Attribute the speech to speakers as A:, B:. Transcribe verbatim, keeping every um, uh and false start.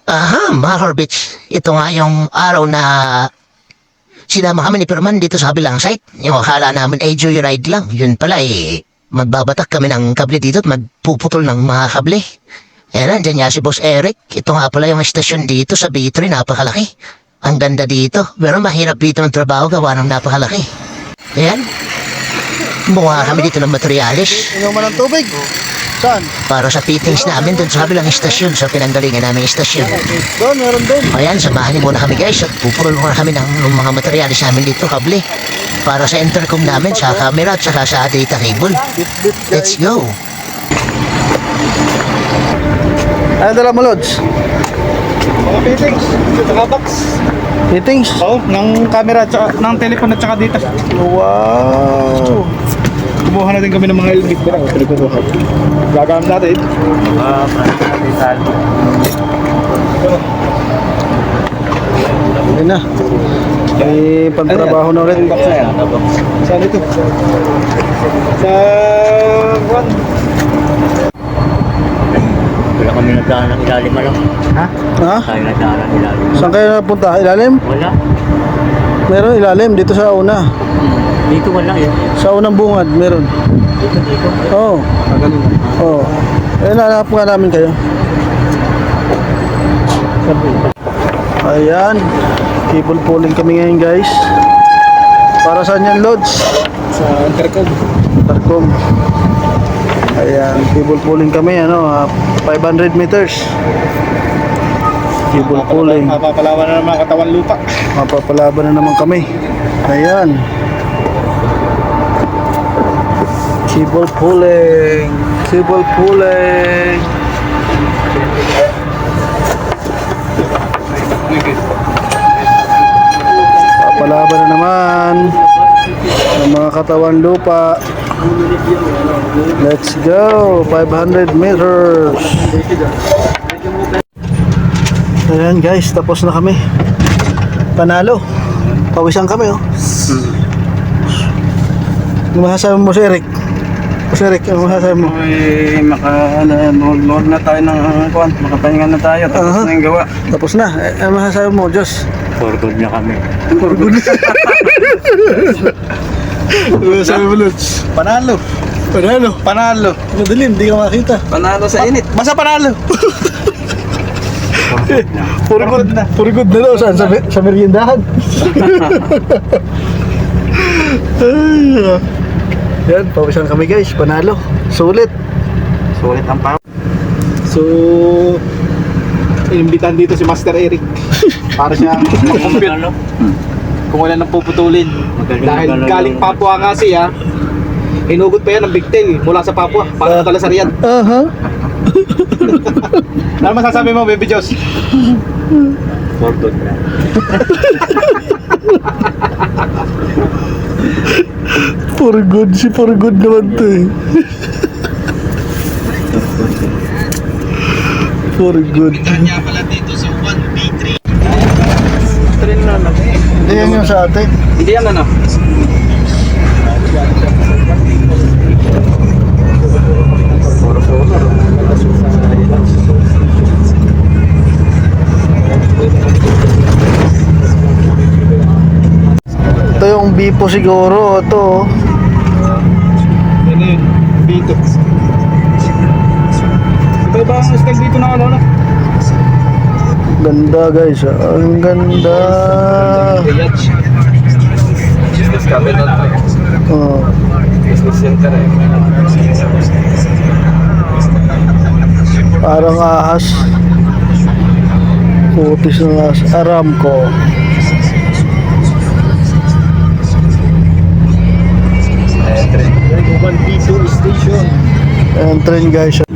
A: Aha, mga Corbits. Ito nga yung araw na sinama kami ni Perman dito sa kabilang site. Yung akala namin ay joyride lang. Yun pala eh, magbabatak kami ng kable dito at magpuputol ng mga kable. Eh, nandyan nga si Boss Eric. Ito nga pala yung estasyon dito sa B three, napakalaki. Ang ganda dito, pero mahirap dito ng trabaho gawa ng napakalaki. Ayan. Bunga kami dito ng materialis.
B: Inuman ng tubig. Saan?
A: Para sa fittings namin dun sa kabilang estasyon, sa pinanggalingan namin estasyon.
B: Doon, meron doon.
A: Ayan, samahan niyo muna kami guys at pupurol muna kami ng, ng mga materialis namin dito, kable. Para sa intercom namin, sa camera at saka sa data cable.
B: Bit-bit
A: Let's go!
B: Ano dala mo, Lods?
C: Mga fittings, saka box.
B: Fittings?
C: Oo, ng camera, tsaka, ng telephone at saka data.
B: Wow!
C: Kumuha na din kami ng mga helmet ko lang. Pinagkukuha. Gagamit natin. Ah,
B: Ayun na. May pantrabaho na ulit.
C: box na yan. Saan ito? Sa... Juan.
D: Wala kami nagdaan ng ilalim, ano?
C: Ha?
B: Ha?
D: Tayo nagdaan ng ilalim.
B: Saan kayo napunta? Ilalim?
D: Wala.
B: Meron ilalim dito sa una.
D: Dito wala eh.
B: Sa unang bungad, meron.
D: Dito, dito.
B: Oo.
C: Magaling.
B: Oo. Eh, nahanap nga namin kayo. Ayan. Cable pulling kami ngayon, guys. Para saan yan, Lods?
C: Sa intercom.
B: Tarcom. Ayan, cable pulling kami, ano, ah, five hundred meters. Cable pulling.
C: Mapapalawan na ng mga katawan lupa.
B: Mapapalaban na naman kami. Ayan. Cable pulling. Cable pulling. Papalaban na naman ng mga katawan lupa. Let's go. five hundred meters. Ayan guys, tapos na kami. Panalo. Pawisan kami oh. Ano masasabi mo si Eric? Si Eric, ano masasabi mo?
C: Ay, maka, ano, load na tayo ng kuwan. Makapahinga na tayo. Tapos
B: Aha.
C: na yung gawa.
B: Tapos na. Eh, ano masasabi mo, Diyos?
D: For good na kami.
B: For good. Ano masasabi mo, Lutz?
C: Panalo.
B: Panalo.
C: Panalo.
B: Madilim, di ka makita.
C: Panalo sa init. Basta panalo.
B: For good na. For good na daw. Saan? Sa, sa meriendahan? Ay, yan, pawisan kami guys. Panalo. Sulit.
C: Sulit ang pa.
B: So,
C: Inimbitan dito si Master Eric. Para siyang mag-compute
D: Ano?
C: kung wala nang puputulin.
D: Magaling
C: Dahil
D: magaling.
C: galing Papua nga siya, inugot pa yan ng bigtail mula sa Papua para sa Talasarian.
B: aha.
C: Ano masasabi mo, Baby Diyos?
D: For good na.
B: For good, si for good naman to eh. For good.
C: Kanya pala dito sa one B three. Train na na.
B: Hindi yan yung sa atin.
C: Hindi yan ano?
B: Ito yung Bipo siguro. Ito.
C: Yan yun. Dito. Ito ba ang style dito na ano na?
B: Ganda guys. ah. Ang ganda.
C: Yacht. Business cabinet.
B: Oh.
C: Business center eh.
B: Parang ahas. Putis ng ahas. Aramco.
C: one B two station.
B: Ayan train guys.